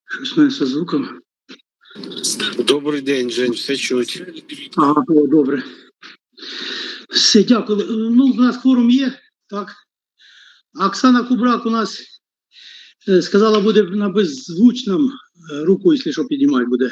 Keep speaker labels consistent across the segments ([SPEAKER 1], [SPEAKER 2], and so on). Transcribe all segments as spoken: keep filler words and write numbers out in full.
[SPEAKER 1] Щось мене зі звуком.
[SPEAKER 2] Добрий день, Жень, все чуть.
[SPEAKER 1] Ага, о, добре. Все, дякую. Ну, у нас форум є, так. Оксана Кубрак у нас е, сказала, буде на беззвучному. Е, Руку, якщо що, підіймати буде.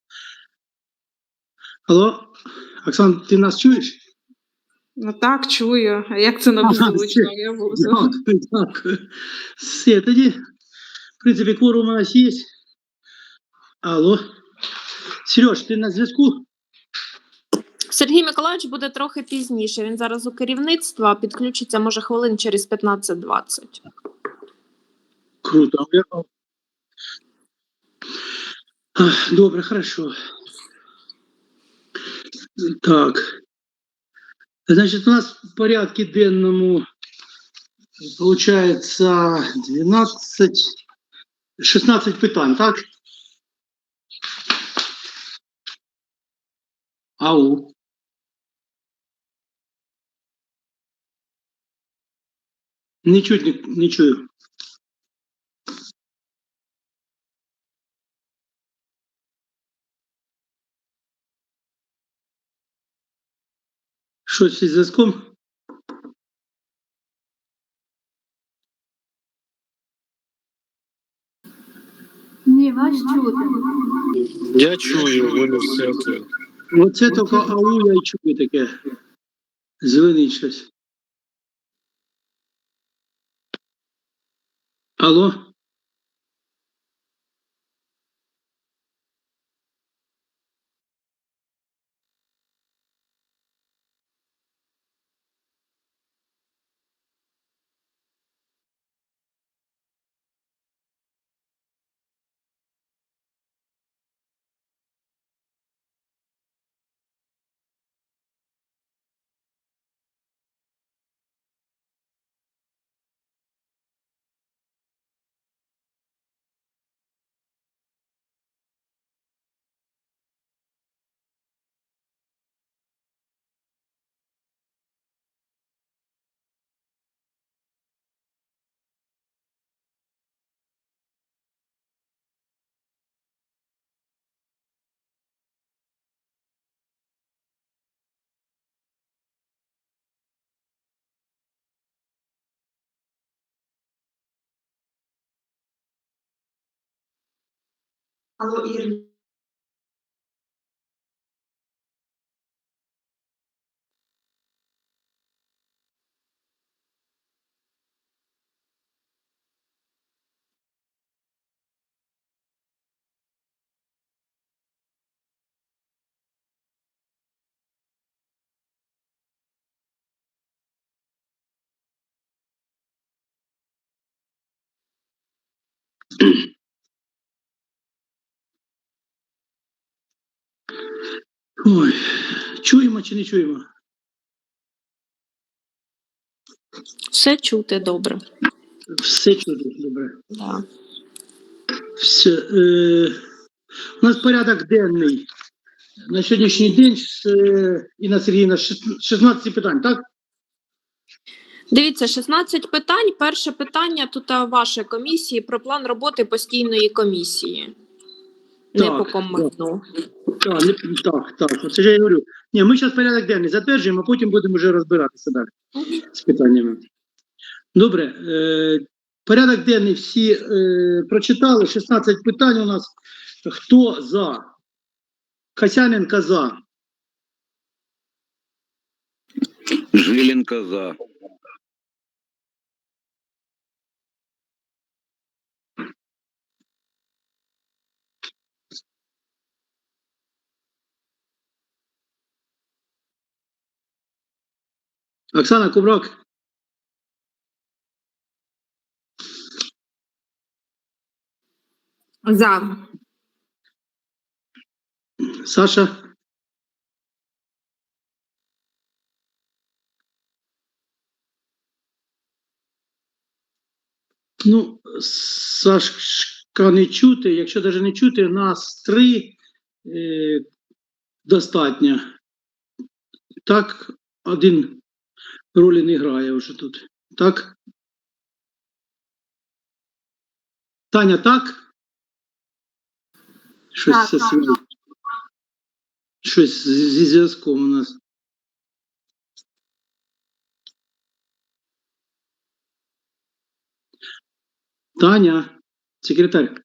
[SPEAKER 1] Алло, Оксан, ти нас чуєш?
[SPEAKER 3] Ну так, чую. А як це на беззвучно? Я буду.
[SPEAKER 1] Дякую, дякую. Все, тоді, в принципі, кворум у нас є. Алло. Сереж, ти на зв'язку?
[SPEAKER 4] Сергій Миколаївич буде трохи пізніше. Він зараз у керівництва, підключиться, може, хвилин через п'ятнадцять-двадцять.
[SPEAKER 1] Круто. Добре, хорошо. Так. Значит, у нас в порядке денному получается двенадцать, шестнадцать питань, так? Ау. Не чуть, не, не чую. Щось із зв'язком?
[SPEAKER 5] Ні, вас чути.
[SPEAKER 2] Я чую, в мене все окей.
[SPEAKER 1] Оце тільки ау, я й чую таке. Звенить щось. Алло?
[SPEAKER 5] Алло, Ір.
[SPEAKER 1] Ой, чуємо чи не чуємо?
[SPEAKER 4] Все чути добре.
[SPEAKER 1] Все чути, добре.
[SPEAKER 4] Да.
[SPEAKER 1] Все. Е, у нас порядок денний. На сьогоднішній день е, Інна Сергіївна, шістнадцять питань, так?
[SPEAKER 4] Дивіться, шістнадцять питань. Перше питання тут а, вашої комісії про план роботи постійної комісії. Не
[SPEAKER 1] Так,
[SPEAKER 4] по коменту.
[SPEAKER 1] Так, не, так, так. Оце ж я говорю. Ні, ми зараз порядок денний затверджуємо, а потім будемо вже розбиратися далі з питаннями. Добре. Е, порядок денний всі е, прочитали. шістнадцять питань у нас. Хто за? Касяненко за.
[SPEAKER 6] Жиленко за.
[SPEAKER 1] Оксана Кубрак.
[SPEAKER 3] За.
[SPEAKER 1] Саша. Ну, Сашка не чути. Якщо навіть не чути, нас три е, достатньо. Так, один ролі не грає вже тут. Так? Таня, так? Щось
[SPEAKER 5] Так,
[SPEAKER 1] це
[SPEAKER 5] так.
[SPEAKER 1] свій- Щось зі зі зв'язком у нас. Таня, секретар.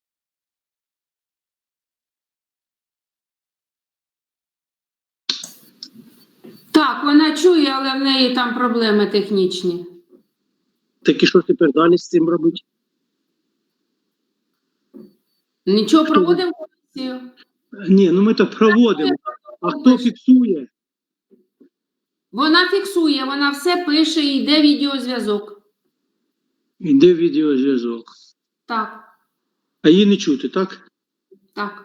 [SPEAKER 6] Так, вона чує, але в неї там проблеми технічні.
[SPEAKER 1] Так і що тепер далі з цим робити?
[SPEAKER 6] Нічого, проводимо комісію.
[SPEAKER 1] Ні, ну ми то проводимо. А хто фіксує?
[SPEAKER 6] Вона фіксує, вона все пише і йде відеозв'язок.
[SPEAKER 1] Іде відеозв'язок.
[SPEAKER 6] Так,
[SPEAKER 1] А її не чути, так?
[SPEAKER 6] так.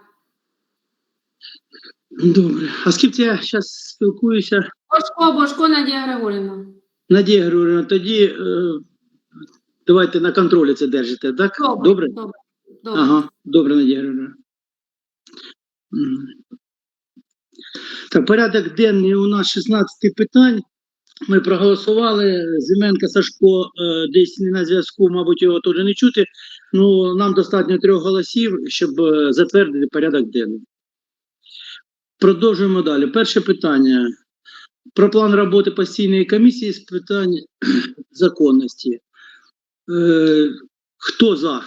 [SPEAKER 1] Добре. А з ким це я зараз спілкуюся?
[SPEAKER 6] Бошко, Бошко Надія Григорівна.
[SPEAKER 1] Надія Григорівна, тоді е, давайте на контролі це держите, так?
[SPEAKER 6] Добре.
[SPEAKER 1] Добре?
[SPEAKER 6] Добре. Добре.
[SPEAKER 1] Ага, добре, Надія Григорівна. Мгм. Так, порядок денний у нас шістнадцять питань. Ми проголосували. Зименка Сашко е, десь не на зв'язку, мабуть, його теж не чути. Ну, нам достатньо трьох голосів, щоб е, затвердити порядок денний. Продовжуємо далі. Перше питання. Про план роботи постійної комісії з питань законності. Е, хто за?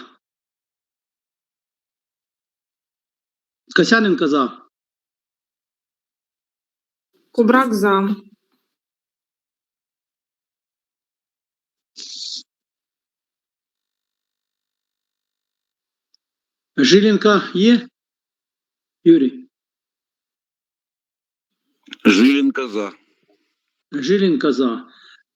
[SPEAKER 1] Касяненко за.
[SPEAKER 3] Кубрак за.
[SPEAKER 1] Жиленко є? Юрій?
[SPEAKER 7] Жиленко за.
[SPEAKER 1] Жиленко за.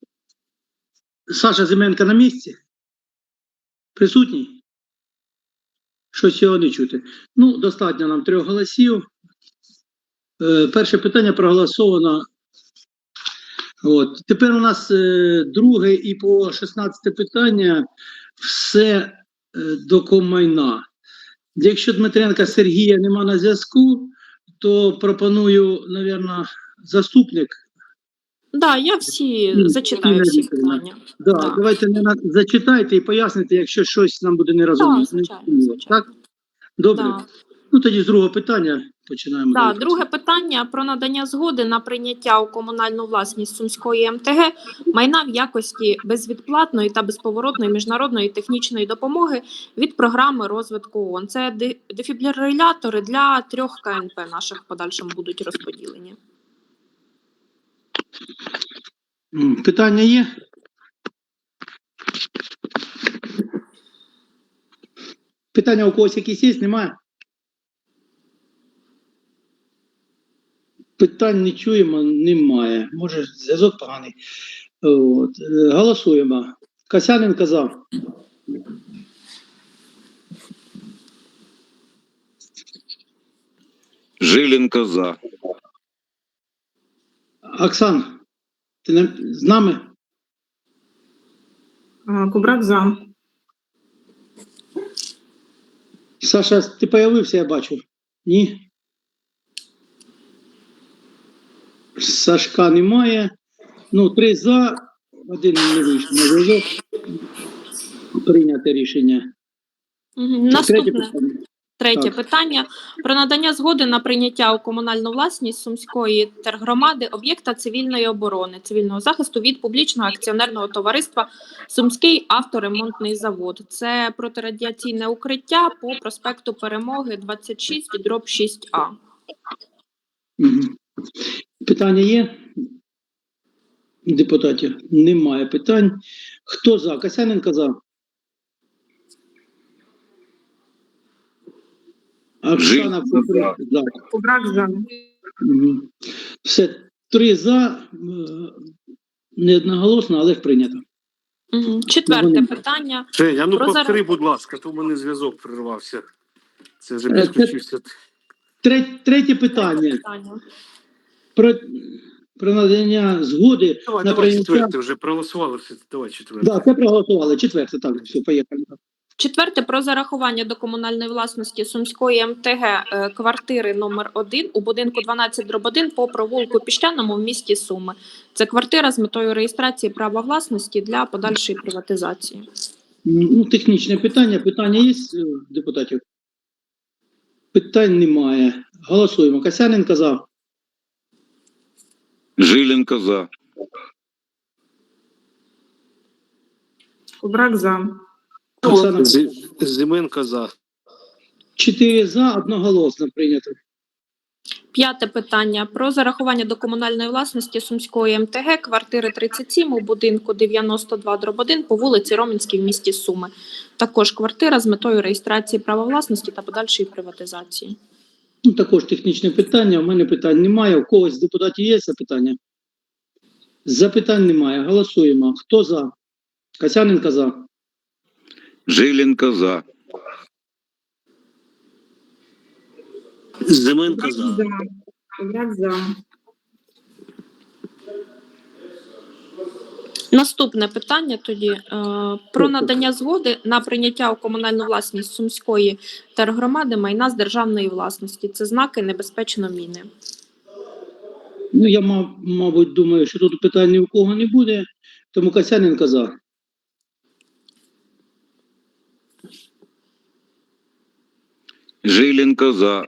[SPEAKER 1] Саша Зименко на місці? Присутній? Щось його не чути. Ну, достатньо нам трьох голосів. Е, перше питання проголосовано. От. Тепер у нас е, друге і по шістнадцяте питання все е, до комайна. Якщо Дмитренка Сергія нема на зв'язку, то пропоную, мабуть, заступник.
[SPEAKER 4] Да, я всі
[SPEAKER 1] Ні,
[SPEAKER 4] зачитаю
[SPEAKER 1] Ніна
[SPEAKER 4] всі
[SPEAKER 1] Вікторівна.
[SPEAKER 4] питання.
[SPEAKER 1] Да,
[SPEAKER 4] Так.
[SPEAKER 1] Давайте не на... зачитайте і поясните, якщо щось нам буде нерозуміло.
[SPEAKER 4] Так, звичайно, звичайно.
[SPEAKER 1] Так? Добре.
[SPEAKER 4] Да.
[SPEAKER 1] Ну тоді з другого питання починаємо.
[SPEAKER 4] Да,
[SPEAKER 1] далі.
[SPEAKER 4] друге питання про надання згоди на прийняття у комунальну власність Сумської ем те ге майна в якості безвідплатної та безповоротної міжнародної технічної допомоги від програми розвитку ООН. Це де- дефібрилятори для трьох ка ен пе наших в подальшому будуть розподілені.
[SPEAKER 1] М, Питання є? Питання у когось якісь є? Немає? Питань не чуємо, немає. Може, зв'язок поганий. От. е, Голосуємо. Касяненко за.
[SPEAKER 7] Жиленко за.
[SPEAKER 1] Оксан, ти на- з нами?
[SPEAKER 3] А, Кубрак за.
[SPEAKER 1] Саша, ти появився, я бачу. Ні? Сашка немає. Ну, три за, один не вийшов на зв'язок. Прийняте рішення.
[SPEAKER 4] Мгм.
[SPEAKER 1] Це третє
[SPEAKER 4] Наступне.
[SPEAKER 1] питання.
[SPEAKER 4] Третє
[SPEAKER 1] Так.
[SPEAKER 4] питання про надання згоди на прийняття у комунальну власність Сумської тергромади об'єкта цивільної оборони, цивільного захисту від публічного акціонерного товариства Сумський авторемонтний завод. Це протирадіаційне укриття по проспекту Перемоги двадцять шість дроб шість а.
[SPEAKER 1] Мгм. Питання є? Депутатів? Немає питань. Хто за? Касяненко за. Оксана
[SPEAKER 7] Жиленко
[SPEAKER 1] Куприк за.
[SPEAKER 3] Кубрак за.
[SPEAKER 1] Мгм. Все, три за, е, не одноголосно, але прийнято.
[SPEAKER 4] Угу. Четверте
[SPEAKER 1] Вони-
[SPEAKER 4] питання.
[SPEAKER 2] Женя, ну
[SPEAKER 4] Про
[SPEAKER 2] повтори,
[SPEAKER 4] зарах-
[SPEAKER 2] будь ласка, то в мене зв'язок прервався. Це вже
[SPEAKER 1] Е,
[SPEAKER 2] підключився.
[SPEAKER 1] Третє, третє питання.
[SPEAKER 4] питання.
[SPEAKER 1] Про, про надання згоди
[SPEAKER 2] Давай,
[SPEAKER 1] на
[SPEAKER 2] давай
[SPEAKER 1] прийняття.
[SPEAKER 2] четверте, вже проголосували все. Давай четверте.
[SPEAKER 1] Да, це проголосували. Четверте, так, все, поїхали.
[SPEAKER 4] Четверте про зарахування до комунальної власності Сумської ем те ге е, квартири номер один у будинку дванадцять дроб один по провулку Піщаному в місті Суми. Це квартира з метою реєстрації права власності для подальшої приватизації.
[SPEAKER 1] Ну, технічне питання. Питання є, е, депутатів? Питань немає. Голосуємо. Касяненко за.
[SPEAKER 7] Жиленко за.
[SPEAKER 3] Кубрак за.
[SPEAKER 1] Оксана.
[SPEAKER 2] Зі- Зименко за.
[SPEAKER 1] Чотири за, одноголосно прийнято.
[SPEAKER 4] П'яте питання про зарахування до комунальної власності Сумської ем те ге квартири тридцять сім у будинку дев'яносто два дроб один по вулиці Ромінській в місті Суми. Також квартира з метою реєстрації права власності та подальшої приватизації.
[SPEAKER 1] Ну, також технічне питання. У мене питань немає. У когось з депутатів є запитання? Запитань немає. Голосуємо. Хто за? Касяненко за.
[SPEAKER 7] Жиленко за.
[SPEAKER 2] Зименко за.
[SPEAKER 3] Кубрак за.
[SPEAKER 4] Наступне питання тоді е, про надання згоди на прийняття у комунальну власність Сумської тергромади майна з державної власності. Це знаки небезпечно міни.
[SPEAKER 1] Ну, я, мав, мабуть, думаю, що тут питань ні у кого не буде, тому Касяненко за.
[SPEAKER 7] Жиленко за.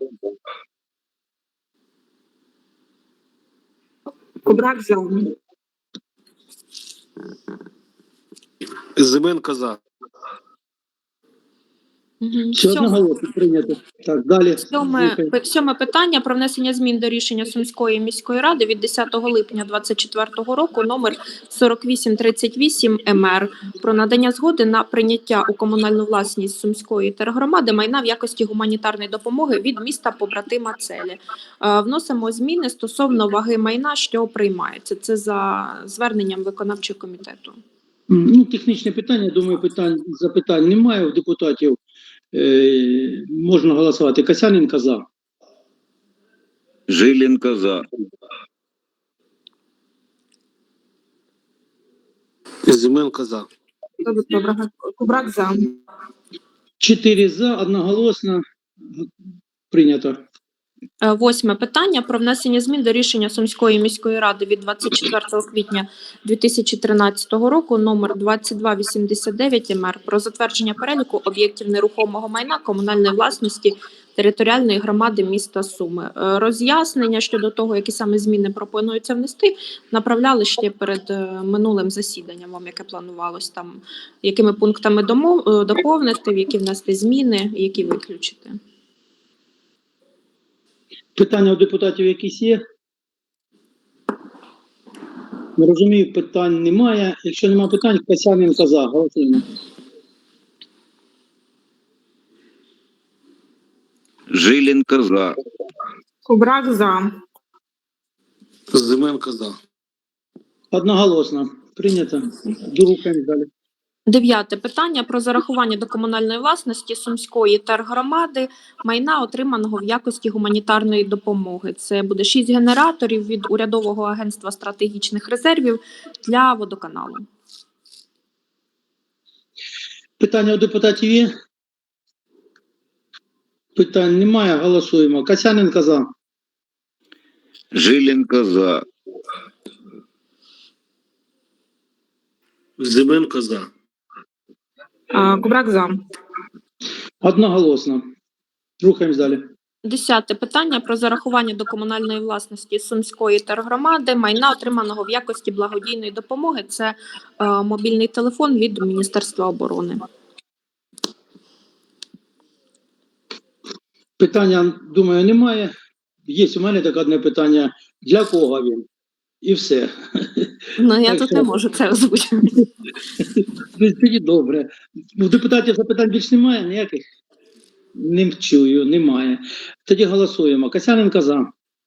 [SPEAKER 3] Кубрак за.
[SPEAKER 2] Зименко за.
[SPEAKER 4] Угу.
[SPEAKER 1] Все одноголосно прийнято. Так, далі.
[SPEAKER 4] Сьоме, пи- сьоме питання про внесення змін до рішення Сумської міської ради від десятого липня двадцять четвертого року номер сорок вісім тридцять вісім ем ер про надання згоди на прийняття у комунальну власність Сумської тергромади майна в якості гуманітарної допомоги від міста побратима Целі. Е, Вносимо зміни стосовно ваги майна, що приймається. Це за зверненням виконавчого комітету.
[SPEAKER 1] Ну, технічне питання, думаю, питань, запитань немає у депутатів. Е, можна голосувати. Касяненко за.
[SPEAKER 7] Жиленко за.
[SPEAKER 2] Зименко за.
[SPEAKER 3] Кубрак за.
[SPEAKER 1] Чотири за, одноголосно прийнято.
[SPEAKER 4] Е, Восьме питання про внесення змін до рішення Сумської міської ради від двадцять четвертого квітня дві тисячі тринадцятого року номер двадцять два вісімдесят дев'ять ем ер про затвердження переліку об'єктів нерухомого майна комунальної власності територіальної громади міста Суми. Е, Роз'яснення щодо того, які саме зміни пропонуються внести, направляли ще перед е, минулим засіданням вам, яке планувалось там, якими пунктами домов, е, доповнити, в які внести зміни, які виключити.
[SPEAKER 1] Питання у депутатів якісь є? Не розумію, питань немає. Якщо немає питань, Касяненко за. Голосуємо.
[SPEAKER 7] Жиленко за.
[SPEAKER 3] Кубрак за.
[SPEAKER 2] Зименко за.
[SPEAKER 1] Одноголосно. Прийнято. Дорухаємо далі.
[SPEAKER 4] Дев'яте питання про зарахування до комунальної власності Сумської тергромади майна, отриманого в якості гуманітарної допомоги. Це буде шість генераторів від Урядового агентства стратегічних резервів для водоканалу.
[SPEAKER 1] Питання у депутатів є? Питань немає. Голосуємо. Касяненко за.
[SPEAKER 7] Жиленко за.
[SPEAKER 2] Зименко за.
[SPEAKER 3] Кубрак за.
[SPEAKER 1] Одноголосно. Рухаємось далі.
[SPEAKER 4] Десяте питання про зарахування до комунальної власності Сумської тергромади майна, отриманого в якості благодійної допомоги. Це е, мобільний телефон від Міністерства оборони.
[SPEAKER 1] Питання, думаю, немає. Є у мене таке одне питання. Для кого він? І все.
[SPEAKER 4] Ну, я
[SPEAKER 1] Так
[SPEAKER 4] тут
[SPEAKER 1] що-
[SPEAKER 4] не можу це озвучити.
[SPEAKER 1] Тоді добре. У депутатів запитань більш немає ніяких? Не чую, немає. Тоді голосуємо. Касяненко за.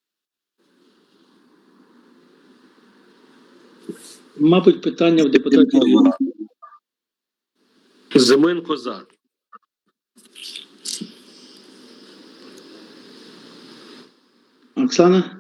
[SPEAKER 1] Мабуть, питання в депутатів є.
[SPEAKER 2] Зименко за.
[SPEAKER 1] Оксана?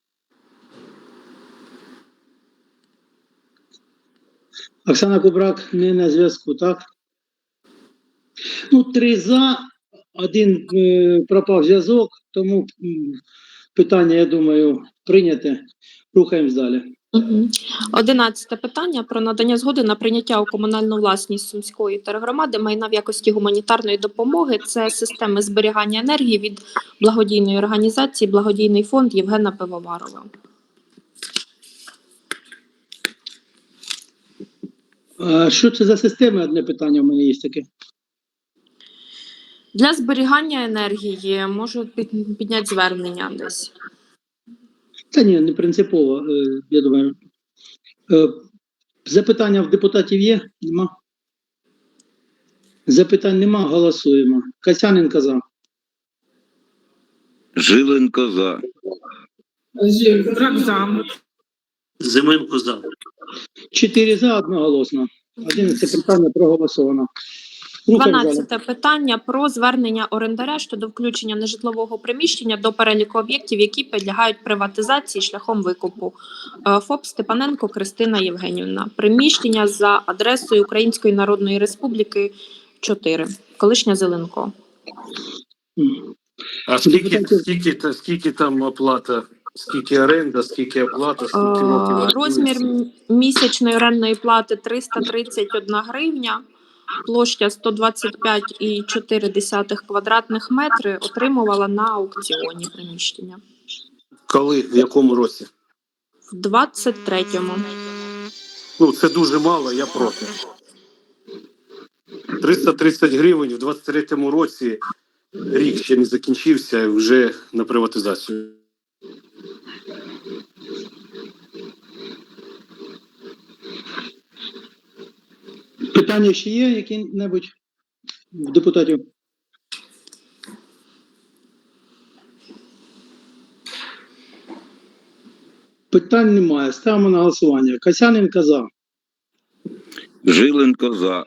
[SPEAKER 1] Оксана Кубрак не на зв'язку, так? Ну, три за, один е, пропав зв'язок, тому м, питання, я думаю, прийняте. Рухаємось далі.
[SPEAKER 4] Мгм. Одинадцяте питання про надання згоди на прийняття у комунальну власність Сумської тергромади майна в якості гуманітарної допомоги. Це системи зберігання енергії від благодійної організації «Благодійний фонд» Євгена Пивоварова.
[SPEAKER 1] А що це за система? Одне питання в мене є таке.
[SPEAKER 4] Для зберігання енергії можу під- підняти звернення десь.
[SPEAKER 1] Та ні, не принципово, е, я думаю. Е, Запитання в депутатів є? Нема? Запитань нема, голосуємо. Касяненко за.
[SPEAKER 7] Жиленко за.
[SPEAKER 3] Кубрак за.
[SPEAKER 2] Зименко за.
[SPEAKER 1] Чотири за, одноголосно. Одинадцяте питання проголосовано. Рухаємо далі.
[SPEAKER 4] Дванадцяте питання про звернення орендаря щодо включення нежитлового приміщення до переліку об'єктів, які підлягають приватизації шляхом викупу. Е, ФОП Степаненко Кристина Євгенівна. Приміщення за адресою Української Народної Республіки чотири. Колишня Зеленко.
[SPEAKER 2] А скільки, скільки, та- скільки там оплата? Скільки оренда, скільки оплата, скільки років?
[SPEAKER 4] Е, Розмір м- місячної орендної плати триста тридцять одна гривня. Площа сто двадцять п'ять цілих чотири десятих квадратних метри. Отримувала на аукціоні приміщення.
[SPEAKER 2] Коли? В якому році?
[SPEAKER 4] В двадцять третьому.
[SPEAKER 2] Ну, це дуже мало, я проти. триста тридцять гривень в двадцять третьому році, рік ще не закінчився, вже на приватизацію.
[SPEAKER 1] Питання ще є які-небудь в депутатів? Питань немає. Ставимо на голосування. Касяненко за.
[SPEAKER 7] Жиленко за.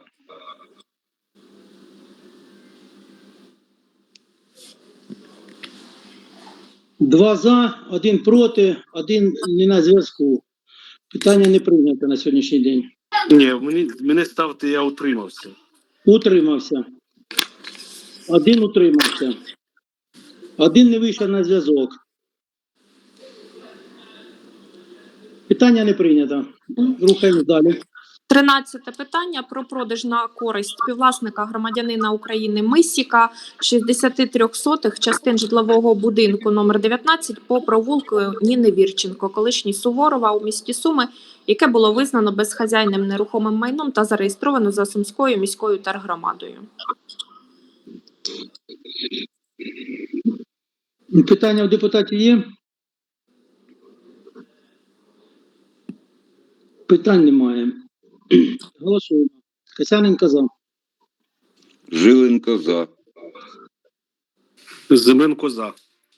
[SPEAKER 1] Два за, один проти, один не на зв'язку. Питання не прийнято на сьогоднішній день.
[SPEAKER 2] Ні, мені, мене ставте, я утримався.
[SPEAKER 1] Утримався. Один утримався. Один не вийшов на зв'язок. Питання не прийнято. Рухаємо далі.
[SPEAKER 4] Тринадцяте питання про продаж на користь співвласника громадянина України Мисіка шістдесят три сотих частин житлового будинку номер дев'ятнадцять по провулку Ніни Вірченко, колишній Суворова у місті Суми, яке було визнано безхазяйним нерухомим майном та зареєстровано за Сумською міською тергромадою.
[SPEAKER 1] Питання у депутатів є? Питань немає. Голосуємо. Касяненко за.
[SPEAKER 7] Жиленко за.
[SPEAKER 2] Зименко за.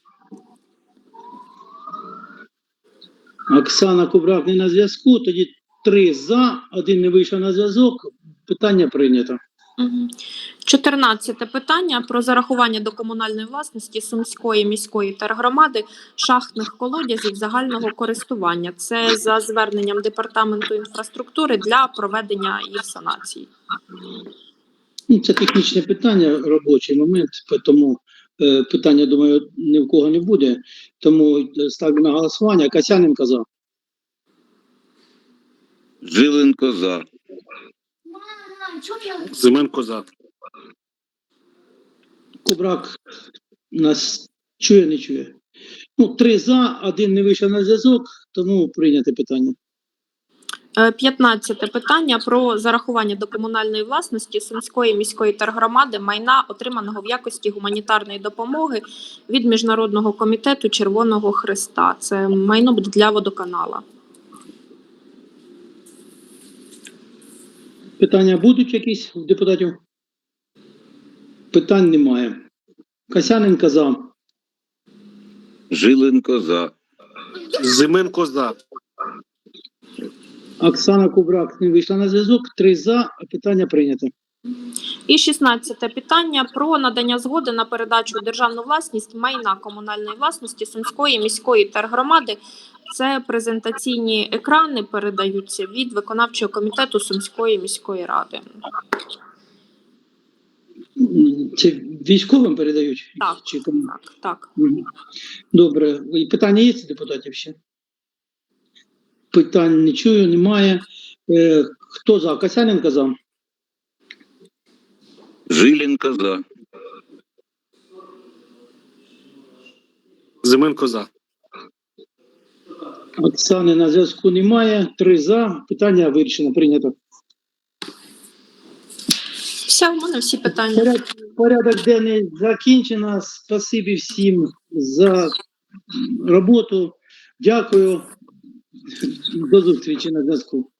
[SPEAKER 1] Оксана Кубрак не на зв'язку. Тоді три за, один не вийшов на зв'язок. Питання прийнято.
[SPEAKER 4] Мгм. Чотирнадцяте питання про зарахування до комунальної власності Сумської міської тергромади шахтних колодязів загального користування. Це за зверненням департаменту інфраструктури для проведення їх санації.
[SPEAKER 1] Ну, це технічне питання, робочий момент, тому е, питання, думаю, ні в кого не буде. Тому е, ставлю на голосування. Касяненко за.
[SPEAKER 7] Жиленко за.
[SPEAKER 2] Зименко за.
[SPEAKER 1] Кубрак нас чує, не чує. Ну, три за, один не вийшов на зв'язок, тому прийняте питання.
[SPEAKER 4] Е, П'ятнадцяте питання про зарахування до комунальної власності Сумської міської тергромади майна, отриманого в якості гуманітарної допомоги від Міжнародного комітету Червоного Хреста. Це майно для водоканала.
[SPEAKER 1] Питання будуть якісь у депутатів? Питань немає. Касяненко за.
[SPEAKER 7] Жиленко за.
[SPEAKER 2] Зименко за.
[SPEAKER 1] Оксана Кубрак не вийшла на зв'язок. Три за, а питання прийнято.
[SPEAKER 4] І шістнадцяте питання про надання згоди на передачу у державну власність майна комунальної власності Сумської міської тергромади. Це презентаційні екрани передаються від виконавчого комітету Сумської міської ради.
[SPEAKER 1] Це військовим передають?
[SPEAKER 4] Так,
[SPEAKER 1] Чи кому?
[SPEAKER 4] так, так.
[SPEAKER 1] Мгм. Добре. І питання є у депутатів ще? Питань не чую, немає. Е, Хто за? Касяненко за.
[SPEAKER 7] Жиленко за.
[SPEAKER 2] Зименко за.
[SPEAKER 1] Оксани на зв'язку немає. Три за. Питання вирішено, прийнято.
[SPEAKER 4] Все, у мене всі питання.
[SPEAKER 1] Поряд, порядок денний закінчено. Спасибі всім за роботу. Дякую. До зустрічі на зв'язку.